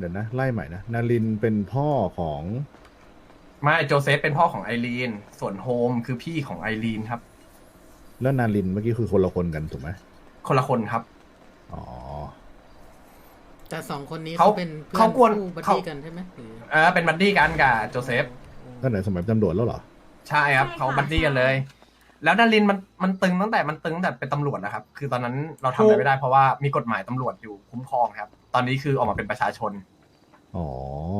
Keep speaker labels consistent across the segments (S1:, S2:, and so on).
S1: ดี๋ยวนะไล่ใหม่นะนารินเป็นพ่อของ
S2: ไม่โจเซฟเป็นพ่อของไอรีนส่วนโฮมคือพี่ของไอรีนครับ
S1: แล้วนารินเมื่อกี้คือคนละคนกันถูกไหม
S2: คนละคนครับ
S1: อ๋อ
S3: แต่สองคนนี้
S2: เขา
S3: เขาเป็นเพื่อ
S2: เขา
S3: น
S2: กวน
S3: คู่บัด
S2: เขา
S3: ดี้กันใช่ไหมหรือ
S2: เป็นบัดดี้กันกับโจเซฟ
S1: ตั้งแต่สมัยตำรวจแล้วเหรอ
S2: ใช่ครับเขาบัดดี้กันเลย แล้วนารินมันตึงตั้งแต่เป็นตำรวจนะครับ คือตอนนั้นเราทำอะไรไม่ได้เพราะว่ามีกฎหมายตำรวจอยู่คุ้มครองครับ ตอนนี้คือออกมาเป็นประชาชน
S1: อ๋อ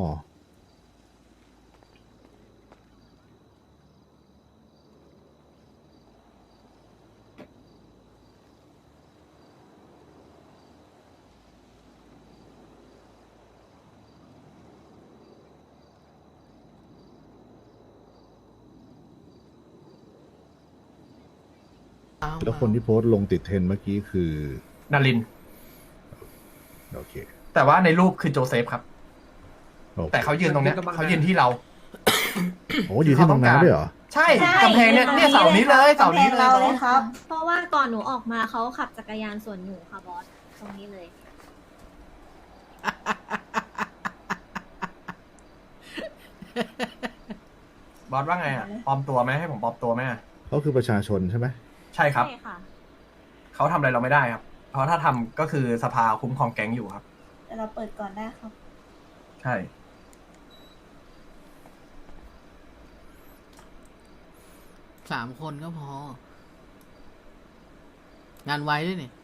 S3: อ้าว
S1: แล้วคนที่โพสต์ลงติดเทรนด์เมื่อกี้คือ
S2: นาริน
S1: โอเค
S2: แต่ว่าในรูปคือโจเซฟครับ
S1: โอเค
S2: แต่เขายืนตรงเนี้ยเขายืนที่เรา
S1: โอ้อยู่ที่ตรงนั้นด้วยเหรอ
S2: ใช่กำแพงเนี่ยเสานี้เลยเสานี้เลย
S4: เราเลยครับ
S5: เพราะว่าก่อนหนูออกมาเขาขับจักรยานสวนหนูค่ะบอสตรงนี้เลย
S2: บอสว่าไงอ่ะปลอมตัวไหมให้ผมปลอมตัวไหมอะ
S1: เขาคือประชาชนใช่ไหม
S2: ใช่ครับ
S5: ใช่ค่ะ
S2: เขาทำอะไรเราไม่ได้ครับ เพราะถ้าทำก็คือสภาคุ้มครองแก๊งอยู่ครับ
S4: แต่เราเปิดก่อนได้ครับ
S2: ใช่
S3: 3 คนก็พอ งานไวด้วยนี่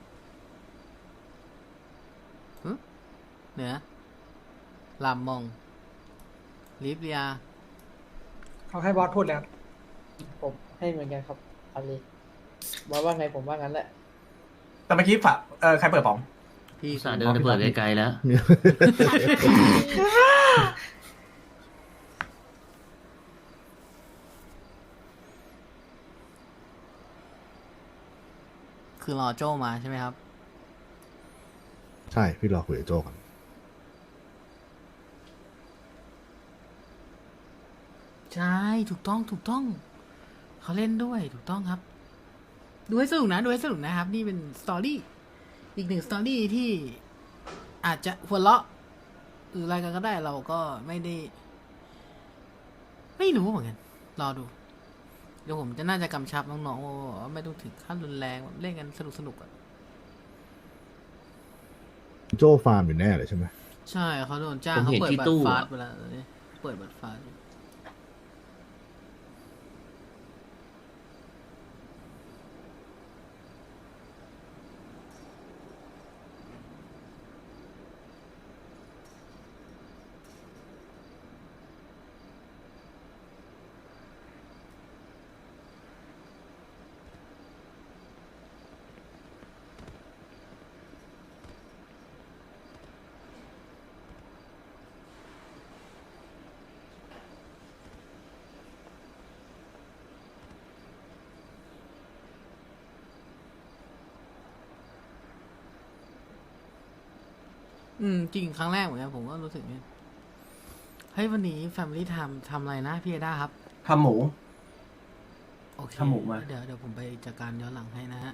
S3: หึเหนือลำมองลิฟเรีย
S6: เขาให้บอสพูดแล้ว
S7: ผมให้เหมือนกันครับอาลีบอกว่าไงผมว่างั้นแหละ
S2: แต่เมื่อกี้ฝากใครเปิดป๋อง
S3: พี่
S8: สาเดินไปเปิดไกลๆแล้ว
S3: คือรอโจมาใช่ไหมครับ
S1: ใช่พี่รอคุยกับโจก่อน
S3: ใช่ถูกต้องถูกต้อง เขาเล่นด้วยถูกต้องครับ ดูให้สนุกนะดูให้สนุกนะครับ นี่เป็นสตอรี่อีกหนึ่งสตอรี่ที่อาจจะหัวเราะหรืออะไรกันก็ได้เราก็ไม่ได้ ไม่รู้เหมือนกัน รอดู เดี๋ยวผมจะน่าจะกำชับน้องๆว่าไม่ต้องถึงขั้นรุนแรงแบบเล่นกันสนุกๆอะ
S1: โจฟาร์มอยู่แน่เลยใช่ไหม
S3: ใช่เขาโดนจ้าง
S8: ผม
S3: เขา
S8: เห็น
S3: เปิด
S8: ที่
S3: บัต
S8: ตู้
S3: รฟา
S8: อะ
S3: สต์ไปแล้วตอนนี้เปิดบัตรฟาสต์อยู่ จริงครั้งแรกเหมือนกันผมก็รู้สึกเนี่ยเฮ้ยวันนี้ Family Time ทำอะไรนะพี่เอด้าครับ
S2: ทำหมู
S3: โอเค
S2: ทำหมูมา
S3: เดี๋ยวผมไปจัดการย้อนหลังให้นะฮะ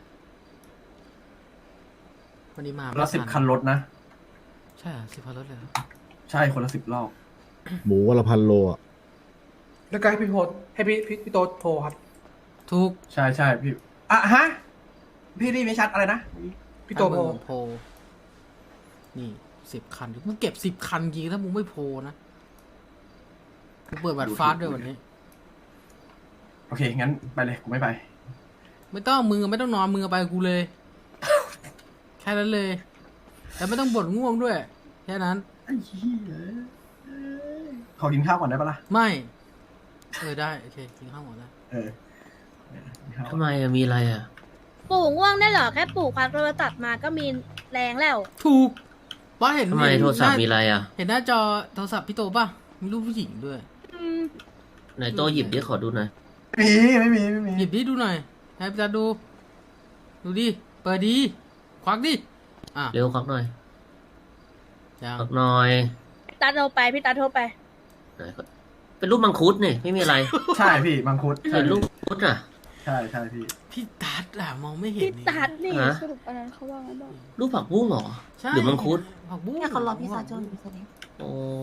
S3: วันนี้มา
S2: ละ10 คันรถนะ
S3: ใช่เหรอ10 คันรถเลยครับ
S2: ใช่คนละ10 รอบ
S1: หมูวันละ1,000 โลอ่ะ
S6: แล้วก็ให้พี่โพสให้พี่โตโทรครับ
S3: ทุก
S2: ใช่ใช่พี่ฮะพี่ได้ไม่ชัดอะไรนะ
S6: พี่โตโทร
S3: โพลนี่10 คันมึงเก็บ10 คันจริงถ้ามึงไม่โพลนะกูเปิดบัตรฟาสต์ด้วยวันนี้
S2: โอเคงั้นไปเลยกูไม่ไป
S3: ไม่ต้องมึงไม่ต้องนอนมึงเอาไปกับกูเลย แค่นั้นเลย แต่ไม่ต้องบ่นง่วงด้วย แค่นั้น
S2: ไอ้เหี้ยขอกินข้าวก่อนได้ปะล่ะ
S3: ไม่ได้โอเคกินข้าวหมดแล้ว
S2: เออกินข้าวก่อน
S8: ทำไมอะมีอะไรอะ
S5: ปู่ง่วงได้เหรอ แค่ปู่ควักโทรศัพท์มาก็มีแรงแล้ว
S3: ถูกบอสเห็น
S8: ทำไมโทรศัพท์มีอะไรอะ
S3: เห็นหน้าจอโทรศัพท์พี่โตป่ะ มีรูปผู้หญิงด้วย
S8: ไหนโตหยิบดิขอดูหน่อย
S2: ไม่มี
S3: หยิบดิดูหน่อย ให้พี่ตาดู ดูดิ เปิดดี ควักดิ อ่ะ
S8: เร็วควักหน่อย
S3: ยัง
S8: ควักหน่อย
S5: ตาโทรไป พี่ตาโทรไป
S8: ไหนก็เป็นรูปมังคุดนี่ไม่มีอะไร
S2: ใช่พี่มังคุด
S8: เป็นรูปมังคุดอะ
S2: ใช่พี่
S3: พี่ตัดอะมองไม่เห็น
S4: พี่ตัดนี่
S8: ฮะ
S4: สรุปอันนั้นเขาว่าไงบ้าง
S8: รูปผักบุ้งเหรอ
S3: ใช่
S8: หรือมังคุด
S3: ผักบุ้ง
S5: เนี่ยเขารอพี่ซาโจอยู่คนนี้
S8: โอ้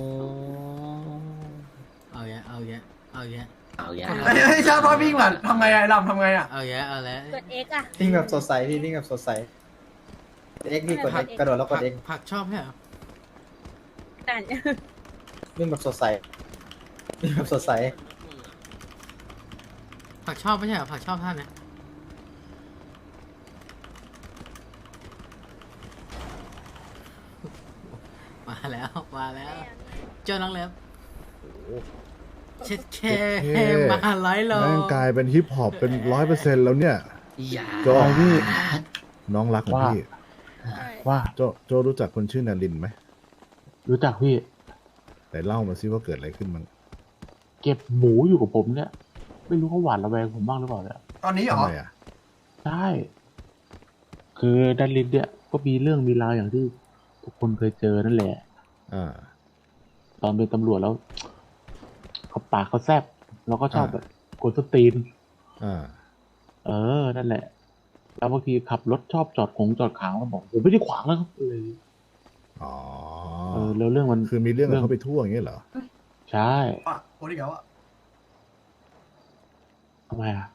S3: เอาแยะเอาแยะเอาแยะ
S8: เอาแย่
S2: เฮ้ยชาติพ่อวิ่งมาทำไงไอ้ลำทำไงอ่ะ
S3: เอาแยะเอาแล้ว
S5: กด X อ่ะ
S7: วิ่งแบบสดใสพี่วิ่งแบบสดใสเอ็กพี่กด X กระโดดแล้วกด X
S3: ผักชอบใช่เหรอ
S5: อ่าน
S7: วิ่งแบบสดใสวิ่งแบบสดใส
S3: ผักชอบไม่ใช่เหรอผักชอบท่านนะมาแล้วมาแล้วเจ้าน้องเล็บเช็ดแค่มาร้อยโล
S1: แม่งกลายเป็นฮิปฮอปเป็น100%แล้วเนี่ย
S8: อย่า
S1: โจพี่ น้องรักของพี่
S9: ว่า
S1: โจรู้จักคนชื่อนารินไหม
S9: รู้จักพี่
S1: แต่เล่ามาซิว่าเกิดอะไรขึ้นมั้ง
S9: เก็บหมูอยู่กับผมเนี่ย ไม่รู้เขาหวาดระแวงผมบ้างหรือเปล่าเนี่ย
S2: ตอนนี้เหร
S1: ทำ
S2: อ
S1: ไมอ่ะ
S9: ใช่ คือดันลินเนี่ยก็มีเรื่องมีราวอย่างที่ทุกคนเคยเจอนั่นแหละ
S1: อ่า
S9: ตอนเป็นตำรวจแล้วเขาปากเขาแซบแล้วก็ชอบแบบกดสตรีน
S1: อ่า
S9: นั่นแหละ แล้วบางทีขับรถชอบจอดขวางแล้วบอกผมไม่ได้ขวางแล้วครับเลย
S1: อ๋อ
S9: แล้วเรื่องมัน
S1: คือมีเรื่องกับเขาไปทั่วอย่างเงี้ยเหรอ
S9: ใช่
S2: อ่ะโอ้ยเดี๋ยวอ่ะ
S9: ทำไมอ่ะ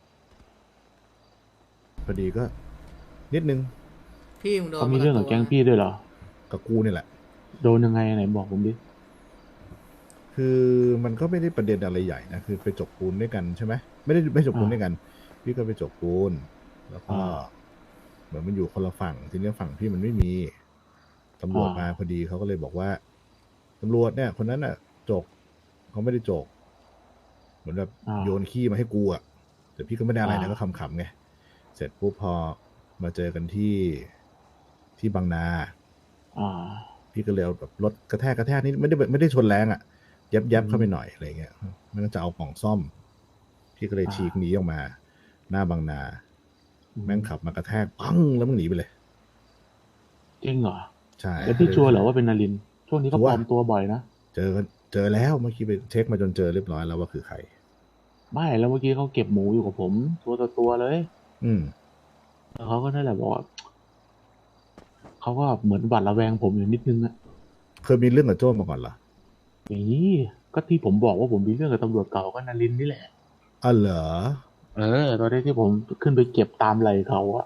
S1: พอดีก็ นิดนึง
S3: พี่มึงโดน
S9: เขามีเรื่องกับแก๊งพี่ด้วยเหรอ
S1: กับกูนี่แหละ
S9: โดนยังไงไหนบอกผมดิ
S1: คือมันก็ไม่ได้ประเด็นอะไรใหญ่นะ คือไปจกปูนด้วยกันใช่ไหมไม่จกปูนด้วยกัน พี่ก็ไปจกปูน แล้วก็เหมือนมันอยู่คนละฝั่ง ทีนี้ฝั่งพี่มันไม่มีตำรวจมาพอดีเขาก็เลยบอกว่าตำรวจเนี่ย คนนั้นน่ะ จกเขาไม่ได้จก เหมือนแบบโยนขี้มาให้กูอ่ะแต่พี่ก็ไม่ได้อะไรนะก็ขำๆไงเสร็จปุ๊บพอมาเจอกันที่บางนา พี่ก็เลยเอาแบบรถกระแทกนี่ไม่ได้ชนแรงอ่ะยับเข้าไปหน่อยอะไรเงี้ยมันก็จะเอากล่องซ่อม พี่ก็เลยฉีกหนีออกมา หน้าบางนา แม่งขับมากระแทกปังแล้วมันหนีไปเลย
S9: จริงเหรอ
S1: ใช่
S9: แล้วพี่ชัวร์เหรอว่าเป็นนาริน ช่วงนี้เขาปลอมตัวบ่อยนะ
S1: เจอแล้วเมื่อกี้ไปเช็คมาจนเจอเรียบร้อยแล้วว่าคือใคร
S9: ไม่แล้วเมื่อกี้เขาเก็บหมูอยู่กับผม ตัวต่อตัวเลย
S1: อืม
S9: แล้วเขาก็นั่นแหละบอกว่าเขาก็เหมือนหวาดระแวงผมอยู่นิดนึงอะ
S1: เคยมีเรื่องกับโจ้มาก่อนเหรอ
S9: นี่ก็ที่ผมบอกว่าผมมีเรื่องกับตำรวจเก่าก็นารินนี่แหละ
S1: อ๋อเหรอ
S9: ตอนนี้ที่ผมขึ้นไปเก็บตามไหลเขาอะ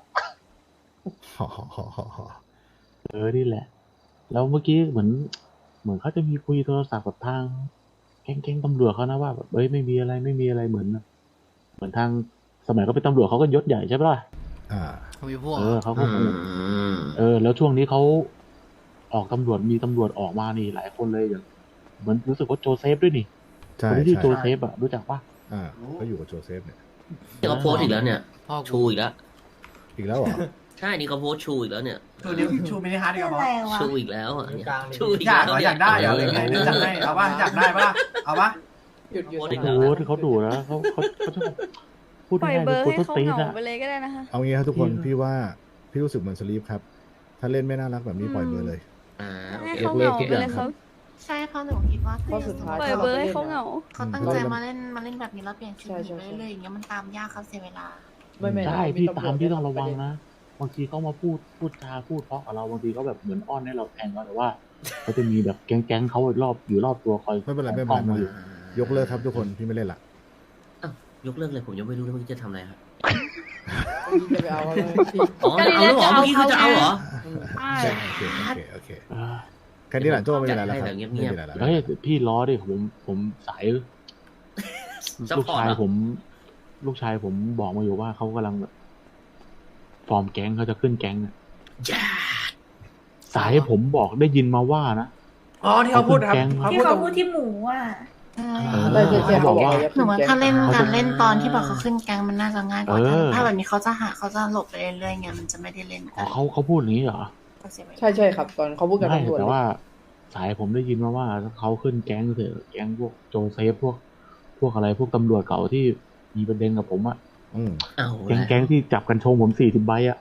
S9: นี่แหละ แล้วเมื่อกี้เหมือนเขาจะมีคุยโทรศัพท์กับทางแก๊งตำรวจเขานะว่าแบบไม่มีอะไรเหมือนทางสมัยเขาเป็นตำรวจเขาก็ยศใหญ่ใช่ปะล่ะ
S3: เขามีพวก
S9: เขาก็แล้วช่วงนี้เขาออกตำรวจมีตำรวจออกมานี่หลายคนเลยอย่างเหมือนรู้สึกว่าโจเซฟด้วยนี่
S1: ใช่
S9: คนที่ชื่อ
S1: ใช่
S9: โจเซฟอะรู้จักปะ
S1: เขาอยู่กับโจเซฟเนี่ย
S8: นี่เขาโพสต์อีกแล้วเนี่ย
S3: พ่อ
S8: ชู
S3: กู
S8: อีกแล้ว
S1: อีกแล้วเหรอ
S8: ใช่นี่เขาโพสต์ชูอีกแล้วเนี่ย
S2: ชูมินิฮาร์ดดีกว่าบอส
S8: ชูอีกแล้วอ่ะเนี่ยชูอีก
S2: อยาก
S8: แล้ว
S2: อยากได้เหรอหรือไงเดี๋ยวจัดให้เอาป่ะอยากได้ป่ะเอาป่ะ
S6: หยุด
S8: โพสต์อีก
S9: โอ้
S8: แล้ว
S9: โหที่เขาดุนะเขาชอบพูด
S4: ปล่อย
S9: ง่ายๆ
S4: เบ
S9: เป็
S4: อน ร์
S9: คน
S4: ให้
S9: ต้น
S4: เขา
S9: ตีน
S4: เหงา
S9: อะ
S4: ไปเลยก็ได้นะคะ
S1: เอางี้ครับทุกคน
S9: พี่
S1: พี่ว่าพี่รู้สึกเหมือนสลีปครับ ถ้าเล่นไม่น่ารักแบบนี้ปล่อยเบอร์เลย
S8: โอ
S4: ให้
S8: เค
S4: เขาเหงาไปเลยเขา
S5: ใช่เพราะหนูคิดว่า
S7: เพราะสุดท้าย
S4: ปล่อยเบอร์ให้เขาเหงา
S5: เขาตั้งใจมาเล่นแบบนี้แล้วเปลี่ยนชีวิตไปเรื่อยๆอย่างเงี้ยมันตามยากเขาเสียเวลา
S9: ใช่พี่ตามพี่ต้องระวังนะบางทีเขามาพูดจาพูดเพราะกับเราบางทีเขาแบบเหมือนอ้อนให้เราแทงเราแต่ว่าเขาจะมีแบบแก๊งเขาอยู่รอบตัวคอย
S1: ไม่เป็นไรไม่เป็น
S9: ป้
S1: ไร
S9: องมาอยู่
S1: ยกเลิกครับทุกคนพี่ไม่เล่นละ
S8: ยกเลิกเลยผมยังไม่รู้เลยเมื่อกี้จะทำอะไรครับ
S6: จะไปเอาอะไรพี่
S8: อ๋อจะเอาแล้วเหรอเมื่อกี้คือจะเอาเหรอ
S1: โอเคแค่นี้แหละโจ้ไม่มีอะไรแล้วครับ
S8: จัดให้แบบเงี
S1: ไม่
S8: ยบๆ
S1: มีอะไรแล้ว
S9: เฮ้ยพี่ล้อดิผมสาย
S8: ซัพ
S9: ลูก
S8: พอร์ต
S9: ชาย
S8: เหรอ
S9: ผมบอกมาอยู่ว่าเขากำลังแบบฟอร์มแก๊งเขาจะขึ้นแก๊งอะ
S8: จ้า
S9: สายผมบอกได้ยินมาว่านะ
S6: อ๋อที่เขาพูดครับ
S4: ที่เขาพูดที่หมูอ่ะ
S9: เขาบอกว่า
S5: หนูว่าถ้าเล่นการเล่นตอนที่แบบเขาขึ้นแกงมันน่าจะง่ายกว่าถ้าแบบนี้เขาจะหลบไปเรื่อยๆไงมันจะไม่ได้เล่น
S9: อ๋อเขาพูดอย่างนี้เหรอ
S6: ใช่ครับ ตอนเขาพูดกับ
S9: ไม่
S6: ตำรวจ
S9: แต่ว่าสายผมได้ยินมาว่าเขาขึ้นแก๊งเถอะแก๊งพวกโจเซฟพวกอะไรพวกตำรวจเก่าที่มีประเด็นกับผมอะ
S8: เอา
S9: แก๊งที่จับกันชงผม40 ใบอะ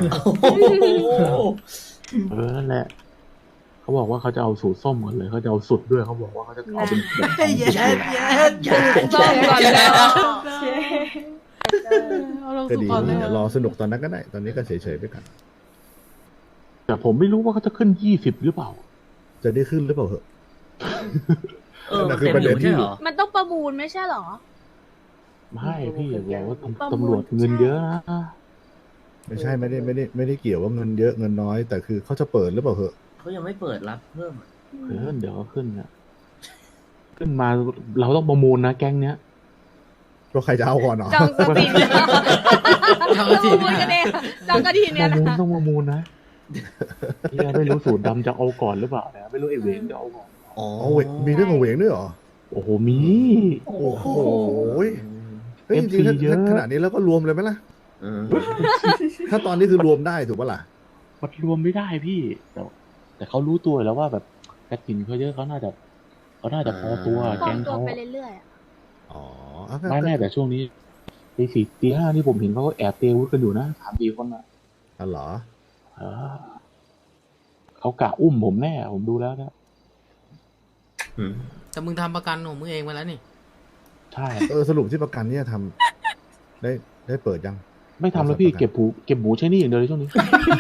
S1: เออ
S9: นั่นแหละเขาบอกว่าเขาจะเอาสูตรส้มก่อนเลยเขาจะเอาสุดด้วยเขาบอกว่าเขาจะเอาเป็นแบบ
S3: เย็ด
S4: ต้องก่อนแล้ว
S3: เอาลง
S1: ก็
S3: สู่
S1: ดี
S3: ก่อนเลย
S1: เดี๋ยวรอสนุกตอนนั้นก็ได้ ตอนนี้ก็เฉยๆไปก่อน
S9: แต่ผมไม่รู้ว่าเขาจะขึ้น20หรือเปล่า
S1: จะได้ขึ้นหรือเปล่าเหอะ
S8: มัน
S1: คือ
S8: เต็ม
S1: ประ
S8: อ
S1: เด็
S8: ยู่
S1: น
S8: ไม่
S1: ที่
S8: ใช่เหรอ
S4: มันต้องประมูลไม่ใช่เหรอ
S9: ไม่พี่บอกว่า
S4: ประมูล
S9: ตำรวจเงินเยอะนะ
S1: ไม่ใช่ไม่ได้เกี่ยวว่าเงินเยอะเงินน้อย แต่คือเขาจะเปิดหรือเปล่าเหอะ
S8: เขายังไม่เปิดรับเพิ่มอะ
S9: เดี๋ยวก็ขึ้นนะขึ้นมาเราต้องประมูลนะแก๊งเนี้ย
S1: ก็ใครจะเอาก่อนเนาะ
S4: จองสปิน
S3: จอง
S4: ประ
S3: ที
S4: มูลกันเองจองกระถิน
S9: ป
S4: เนี่ย
S9: ระ
S4: นะ
S9: มูลต้องประมูลนะเฮียไม่รู้สูตรดำจะเอาก่อนหรือเปล่านะไม่รู้ไอ้เหวงจะเอาก่อน
S1: อ๋อเว้ยมีเรื่องของเหวงด้วยเหรอ
S9: โอ้โหมี
S1: โอ้โหเฮ้ยจริงๆ
S9: FC เยอะ
S1: ถ้าขนาดนี้แล้วก็รวมเลยไหมล่ะ
S8: เออ
S1: ถ้าตอนนี้คือรวมได้ถูกปะล่ะ
S9: มันรวมไม่ได้พี่ แต่เขารู้ตัวแล้วว่าแบบกระถินเขาเยอะเขาน่าจะพอตัว
S4: ปลอ
S9: แก๊
S4: ม
S9: ง
S4: ตัว
S9: เขา
S4: ไปเรื่อยๆอะ
S1: อ๋อเอาก็
S9: ไม่แน่แต่ช่วงนี้ตี 4 ตี 5นี่ผมเห็นเขาก็แอบเตะอาวุธกันอยู่นะ3-4 คนอ่ะ
S1: อ๋อเหรอ
S9: เออเขากะอุ้มผมแน่ผมดูแล้วนะ
S8: อืม
S3: แต่มึงทำประกันของมึงเองมาแล้วนี่
S9: ใช่
S1: สรุปที่ประกันเนี่ยทำได้เปิดยัง
S9: ไม่ทำแล้วพี่เก็บหมูใช้หนี่อย่างเดียวเลยช่วงนี้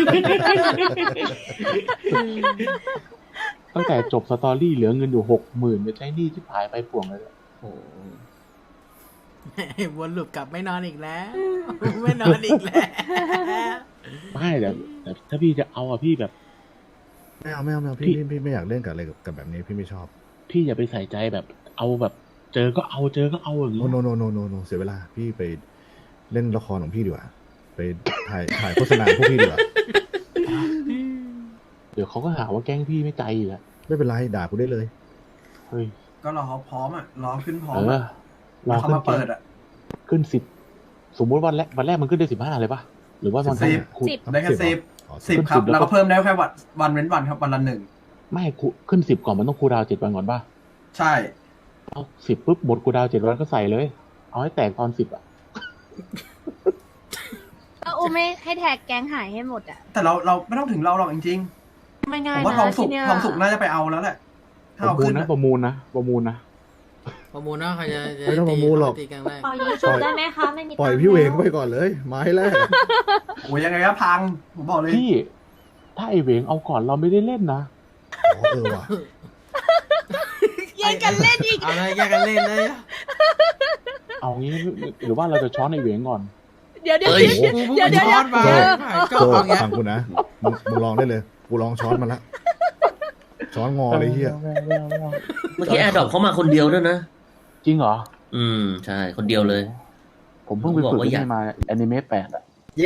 S9: ตั้งแต่จบสตอรี่เหลือเงินอยู่60,000ไปใช้หนี้ที่หายไปป่วงเลย
S8: โอ้โห
S3: วนลูปกลับไม่นอนอีกแล้ว ไม่นอนอีกแล้ว
S9: ไม่แต่ถ้าพี่จะเอาอะพี่แบบ
S1: ไม่เอาพี่ไม่อยากเล่นกับอะไรกับแบบนี้พี่ไม่ชอบ
S9: พี่อย่าไปใส่ใจแบบเอาแบบ เจอก็เอาอย่าง
S1: โน
S9: นี้
S1: โนเสียเวลาพี่ไปเล่นละครของพี่ดีกว่าไปถ่ายโฆษณาพวกพี่ดีกว่า
S9: เดี๋ยวเขาก็หาว่าแกล้งพี่ไม่ใจอีกอะ
S1: ไม่เป็นไรด่ากูได้เลย
S9: เฮ้ย
S2: ก็รอเขาพร้อมอ่ะรอขึ้นพร้อ
S9: เอ
S2: ม
S9: อ
S2: อะ
S9: รอ
S2: เขา
S9: ขึ้น
S2: มาเปิดอ่ะ
S9: ขึ้น10สมมุติวันแรกมันขึ้นได้15เลยปะหรือว่าวัน
S2: 10
S9: คู
S2: ได้แค่10
S1: อ๋อ
S2: 10ครับ แล้วก็เพิ่มได้แค่วันเว้นวันครับวันละ1
S9: ไม่ขึ้น10ก่อนมันต้องคูลดาวน์7 วันก่อนป่ะ
S2: ใช่
S9: เอา10ปุ๊บหมดคูลดาวน์7 วันก็ใส่เลย เอาให้แตกตอน10อะ
S4: ก็อุ้มไม่ให้แท็กแก๊งหายให้หมดอ่ะ
S2: แต่เราไม่ต้องถึงเราหรอกจริง
S5: ไม่
S2: ๆ
S5: ง่า
S2: ผ
S5: ย
S2: มว่า
S5: นะ
S2: ทองสุก
S5: ที่เนี่ย
S2: ทองสุกน่าจะไปเอาแล้วแหละ ถ้า
S9: ประ
S2: เอา
S9: มูล
S2: ขึ้น
S9: นะ
S2: อะ
S9: ประมูลนะ
S3: ประมูลนะใครจะ
S1: ไม่ต้องประมูลหรอก
S3: ตีกันได้
S4: ปล่อยยูทูบได้ไหมคะ ไม่มี
S1: ปล่อยพี่เวงไปก่อนเลยไม้แรก
S2: โอ้ยยังไงก็พัง ผมบอกเลย
S9: พี่ถ้าไอเหวงเอาก่อนเราไม่ได้เล่นนะ
S1: อ๋อว่ะ
S4: แย่งกันเล่นอีก
S3: เอาเลยแยกกันเล่นเลย
S9: เอางี้หรือว่าเราจะช้อนไอเหวงก่อน
S4: เดี๋ยว
S8: เอ้ย
S4: เดี๋ยว
S3: ช้อนมาก็
S1: โจ
S3: เอาอย่างเงี้ย
S1: ฟังกูนะมึงลองได้เลยกูลองช้อนมันละช้อนงอเลยเฮีย
S8: เมื่อกี้แอร์ดรอปเขามาคนเดียวด้วยนะ
S9: จริงเหรอ
S8: ใช่ คนเดียวเลย
S9: ผมเพิ่งไปฝึกที่นี่มาแอนิเมะ8อะ
S7: เย้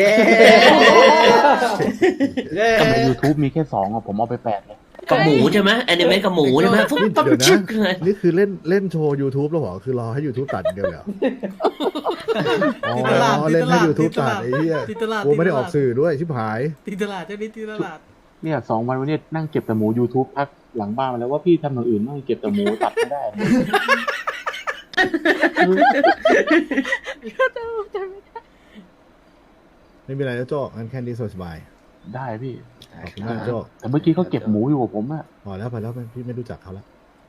S9: แต่ใน YouTube มีแค่2อะผมเอาไป8เลย
S8: กับหมูใช่ไหมแอนิเมะกับหมูใช่ไหมฟุ๊บ
S1: นี่
S8: ปั๊บ
S1: เดี๋ยวนะ
S8: ชึกเลย
S1: นี่คือเล่นโชว์ YouTube แล้วเหรอคือรอให้ YouTube ตัดอย่างเดียวเลยเหรออ๋อ
S3: ตีตลาด
S1: เล่นให้ YouTube ตัดไอ้เหี้ย
S3: ตีตลาด
S1: กูไม่ได้ออกสื่อด้วยชิบหาย
S3: ตีตลาดเจ้านี้ตีตลาด
S9: เนี่ย2 วันวันนี้นั่งเก็บแต่หมู YouTube พักหลังบ้านมาแล้วว่าพี่ทำอย่างอื่นบ้างเก็บแต่หมูตัดไม่ได้
S1: ไม่มีอะไรแล้วโจ้งั้นแค่นี้สบาย
S9: ได้พี่
S1: ๆขอบคุณมากโจ้
S9: แต่เมื่อกี้เขาเก็บหมูอยู่กับผมอะ
S1: พอแล้วพี่ไม่รู้จักเขาแล้ว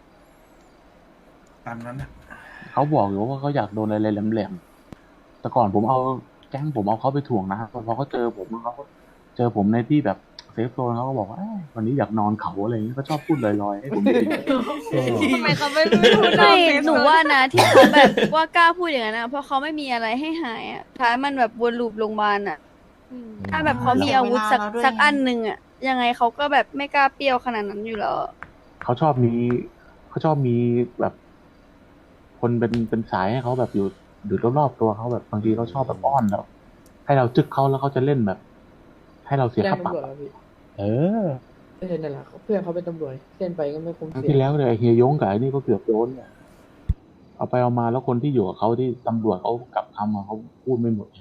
S2: ตามนั้นอะ
S9: เขาบอกอยู่ว่าเขาอยากโดนอะไรแหลมๆแต่ก่อนผมเอาแก๊งผมเอาเขาไปถ่วงนะพอเขาเจอผมเขาก็เจอผมในที่แบบเซฟโซนเขาก็บอกว่าเอ้ยวันนี้อยากนอนเขาอะไรอย่างนี้ก็ชอบพูดลอยๆให้ผมได้ยิน
S4: ทำไมเขาไม่พูดไม่หนูว่านะที่เขาแบบว่ากล้าพูดอย่างนั้นนะเพราะเขาไม่มีอะไรให้หายอ่ะท้ายมันแบบวนลูปโรงพยาบาลอ่ะถ้าแบบเขามีอาวุธสักอันหนึ่งอ่ะยังไงเขาก็แบบไม่กล้าเปรี้ยวขนาดนั้นอยู่แล้ว
S9: เขาชอบมีแบบ คนเป็นสายให้เขาแบบอยู่รอบๆตัวเขาแบบบางทีเขาชอบแบบอ้อนแล้วให้เราจึกเขาแล้วเขาจะเล่นแบบ ให้เราเสีย
S7: แจ้ง
S9: ค่าปรับ
S7: ตำรวจแล้วพี่
S9: เออ
S7: ไม่ใช่นั่นแหละเพื่อนเขาเป็นตำรวจเล่นไปก็ไม่คุ้ม
S9: ครั้ง
S7: เสี
S9: ที่
S7: ย
S9: แล้วเนี่ยไอ้เฮียยงกับไอ้นี่ก็เกือบโดนเนี่ยเอาไปเอามาแล้วคนที่อยู่กับเขาที่ตำรวจเขากลับคำมาเขาพูดไม่หมด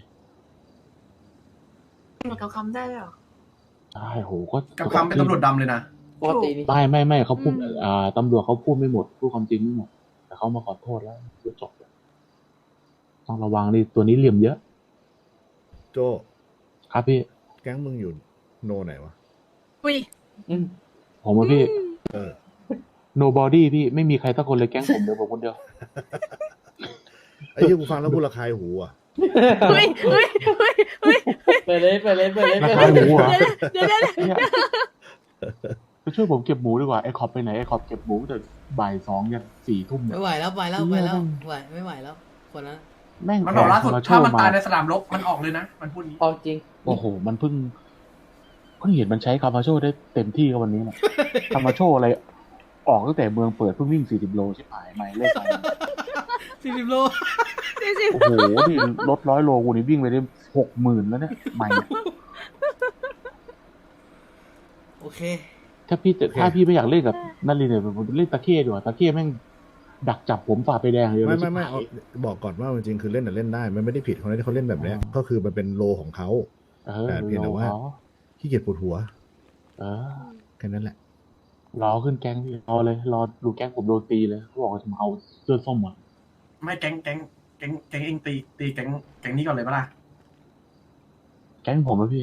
S5: หนูกับคำได้เหรอ
S9: ใช่โหก็
S2: กับคำเป็นตำรวจดำเลยนะ
S7: ปกตินี่
S9: ไม่เขาพูดตำรวจเขาพูดไม่หมดพูดความจริงไม่หมดแต่เขามาขอโทษแล้วก็จบแล้วต้องระวังดิตัวนี้เหลี่ยมเยอะ
S1: โจ้
S9: ครับพี่
S1: แก๊งมึงอยู่โนไหนวะ
S4: อุ้ย
S9: ผมว่าพี่
S1: เออ
S9: nobody พี่ไม่มีใครสักคนเลยแก๊งผมเดียวผมคนเดียว
S1: ไอ้เหี้ยกูฟังแล้วกูระคายหูอ่ะ
S3: เฮ้ยเฮ้ยเฮ้ยเฮ้ย
S7: ไปเลยไปเลยไปเลย
S9: ราคาหมูเหรอ
S3: เดี๋ยว
S9: เนี่ยไปช่วยผมเก็บหมูดีกว่าไอ้ขอบไปไหนไอ้ขอบเก็บหมูแต่บ่าย2 ยัน 4 ทุ่มเนี่ย
S3: ไม่ไหวแล้วไปแล้วไปแล้วไหวไม่ไหวแล้วคนนั้น
S9: แม่ง
S2: มันบอกล่าสุด
S9: แข่ง
S2: ถ้ามัน
S9: มา
S2: ตายในสนามรบมันออกเลยนะ มันพูดนี้
S7: เอาจริง
S9: โอ้โหมันเพิ่งเห็นมันใช้คามาโชได้เต็มที่กับวันนี้แหละ คามาโชอะไร ออกตั้งแต่เมืองเปิดเพิ่งวิ่ง40 โลชิบหายไม่เลขไป
S3: 40 โล
S9: โอ้โหนี่รถ100 โลกูนี่วิ่งไปได้60,000แล้วเนี่ยใหม่
S3: โอเค
S9: ถ้าพี่ไม่อยากเล่นกับนันลีเนี่ยผมเล่นตะเข้ดีกว่าตะเข้แม่งดักจับผมฝ่าไปแดงเลย
S1: ไม่
S9: ชิบ
S1: ไม่
S9: หาย
S1: เอาบอกก่อนว่าจริงๆคือเล่นแต่เล่นได้ มันไม่ได้ผิดคนที่เขาเล่นแบบเนี้ย
S9: อ๋อ
S1: ก็คือมันเป็นโลของเขา แต่เพียงแต่ว่า ขี้เกียจปวดหัว
S9: เออ
S1: แค่นั้นแหละ
S9: รอขึ้นแก๊งพี่รอเลยรอดูแก๊งผมโดนตีเลยเขาบอกว่าจะมาเอาเสื้อส้มอ่ะ
S2: ไม่แก๊งเองตีแก๊งนี้ก่อนเลยปะล่ะ
S9: แก๊งผมอะพี่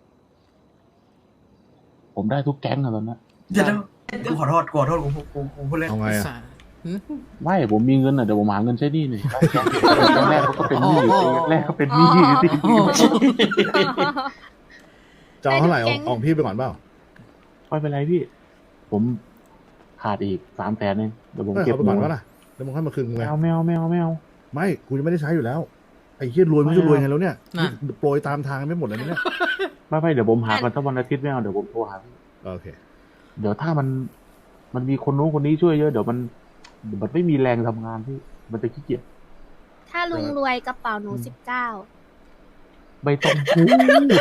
S9: ผมได้ทุกแก๊งอะตอนนั้น
S2: เดี๋ยวกูขอโทษกูพูดเล่น
S1: เอาไงอะ
S9: ไม่ผมมีเงินอะเดี๋ยวผมหาเงินใช้หนี้หน่อยแก๊งแรกเขาก็เป็นหนี้ตีแรกเขาเป็นหนี้ตี
S1: จะเอาเท่าไหร่
S4: ได้ทุกแก๊ง
S1: ออกพี่ไปก่อนเปล่า
S9: ไม่เป็นไรพี่ ผมขาดอีก300,000เองเดี๋ยวผม
S1: เออ
S9: เก็บ
S1: เอาไปก่อนวะล่ะแล้วมึงค่อยมาคืนกูไง
S9: ไม่เอา
S1: ไม่กูจะไม่ได้ใช้อยู่แล้วไอ้เหี้ยรวยไม่รู้จะรวยไงแล้วเนี่ย
S3: น่ะ
S1: โปรยตามทางไม่หมดเลยนะเนี่ย
S9: ไม่เดี๋ยวผมหาก่อนถ้าวันอาทิตย์ไม่เอาเดี๋ยวผมโทรหาพี่
S1: โอเค
S9: เดี๋ยวถ้ามันมีคนนู้นคนนี้ช่วยเยอะเดี๋ยวมันไม่มีแรงทำงานพี่มันจะขี้เกียจ
S4: ถ้าลุงรวยกระเป๋าหนู19
S9: ไม่ต้องพูด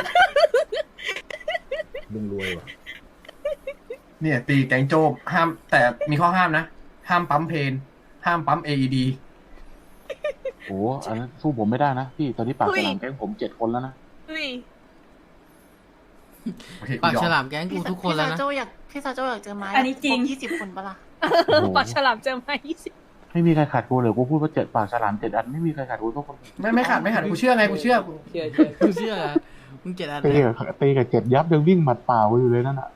S1: ลุงรวยว่ะ
S2: เนี่ยตีแก๊งโจมห้ามแต่มีข้อห้ามนะ ห้ามปั๊มเพนห้ามปั๊ม AED
S9: โอ้อันนั้นสู้ผมไม่ได้นะพี่ตอนนี้ปากฉลามแก๊งผม7 คนแล้วนะ
S2: โอเค
S3: ปาก
S2: ยอม
S3: ฉลามแก๊งกูทุกคนแล้วนะ
S5: พี่ซาโจอยากเจอไม้
S10: อันนี้จริง
S5: 20 คนปะล่ะ
S9: โอ้โห
S10: ปากฉลามเจอมา20
S9: ไม่มีใครขาดกูเลยกูพูดว่า7 ปากฉลาม7 อันไม่มีใครขาดกูทุกคน
S2: ไม่ขาดกูเชื่อไงกูเชื่อ
S7: เชื่อ
S3: กูเชื่อมึง7 อัน
S9: ตีกับ7 ยับยังวิ่งหมัดเปล่ากูอยู่เลยนั่นอ่ะ